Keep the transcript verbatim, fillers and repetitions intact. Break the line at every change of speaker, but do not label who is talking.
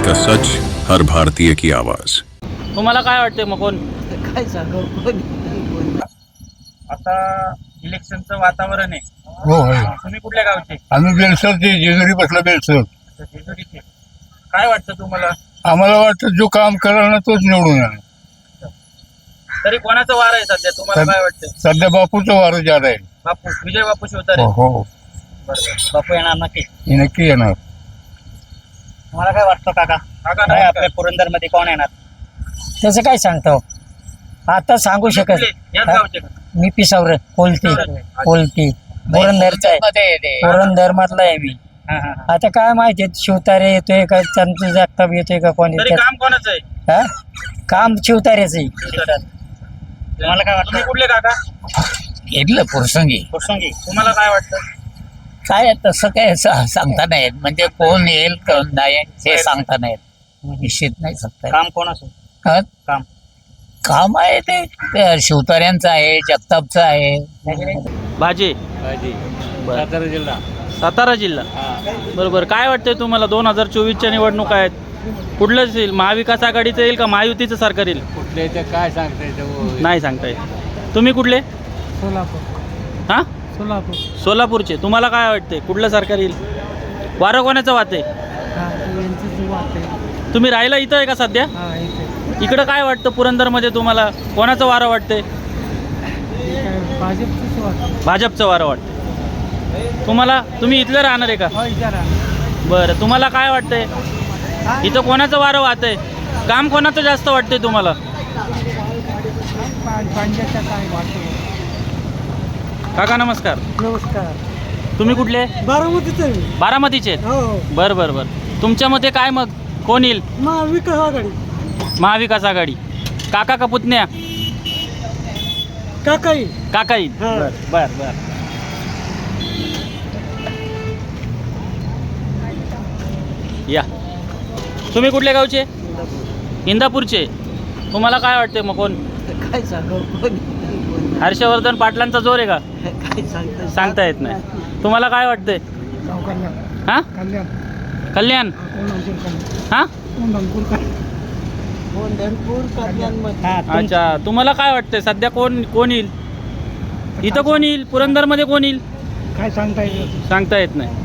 का सच, हर भारतीय की आवाज।
तुम्हाला काय वाटते मग कोण
काय सांगू कोण
आता इलेक्शनचं वातावरण आहे?
हो आहे.
तुम्ही कुठल्या गावचे?
आम्ही बेलसरचे जेजुरी बसला बेलसर.
जेजुरीचे. काय वाटतं तुम्हाला?
आम्हाला वाटतं जो काम कराल ना तोच निवडून येणार.
तरी कोणाचं वार आहे सध्या, तुम्हाला काय वाटतं?
सध्या बापूचं वारं ज्यादा आहे.
बापू, विजय बापू शिवतारे.
हो हो
बरोबर. बापू येणार नक्की.
हे नक्की येणार.
तुम्हाला काय वाटतं काका? काका काय आपल्या पुरंदर मध्ये कोण येणार?
त्याचं काय सांगतो आता सांगू शकत
कुठले? याच
हा?
गावचे का?
मी पिसावर कोलती कोलती पुरंदरचा आहे. पुरंदर मधला आहे मी.
हा, हा, हा.
आता काय माहिती शिवतारे येतोय का चंद्र जगताप येतोय का कोणी
तरी
त्यात-
काम कोणाचं आहे?
हा? काम शिवतारेच आहे.
तुम्हाला काय वाटतं? तुम्ही कुठले काका?
घेतलं प्रसंगी
प्रसंगी. तुम्हाला काय वाटतं?
काय तसं काय सा- सांगता नाही येत. म्हणजे कोण येईल कोण नाही हे सांगता नाही येत. निश्चित नाही सांगता येत.
काम कोणाचं?
हा?
काम
काम आहे ते ते शिवतार्यांचं आहे, जगतापचं आहे.
भाजी
सातारा जिल्हा.
सातारा जिल्हा. बरोबर. काय वाटतंय तुम्हाला? दोन हजार चोवीसच्या निवडणुका आहेत. कुठलंच येईल? महाविकास आघाडीचं येईल का महायुतीचं सरकार येईल?
कुठले ते काय सांगता येतं?
नाही सांगता येत. तुम्ही कुठले?
सोलापूर
हा,
सोलापूर
सोलापूरचे. तुम्हाला काय वाटते कुठलं सरकार येईल? वारं कोणाचं वाहते? तुम्ही राहिला इथं आहे का सध्या? इकडं काय वाटतं पुरंदरमध्ये तुम्हाला? कोणाचं वारं वाटते? भाजपचं वारं वाटतं. तुम्हाला? तुम्ही इथलं राहणार आहे का? बरं. तुम्हाला काय वाटतंय इथं कोणाचं वारं वाहतंय? काम कोणाचं जास्त वाटतंय तुम्हाला? काका नमस्कार.
नमस्कार.
तुम्ही कुठले?
बारामतीचे
बारामतीचे आहेत.
हो
बरं बरं बरं. तुमच्या मते काय मग कोण येईल?
महाविकास आघाडी
महाविकास आघाडी. काका का पुतण्या?
काकाई
काका येईल.
हा.
बर बर बर. या. तुम्ही कुठल्या गावचे? इंदापूरचे. तुम्हाला काय वाटते मग कोण?
काय सांगू कोण
हर्षवर्धन पाटलांचा जोर आहे का?
काय सांगतो
सांगता येत नाही. तुम्हाला काय वाटतंय? हा, कल्याण. हा, अच्छा. तुम्हाला काय वाटतंय सध्या कोण कोण येईल इथं? कोण येईल पुरंदरमध्ये? कोण येईल
काय सांगता येईल
सांगता येत नाही.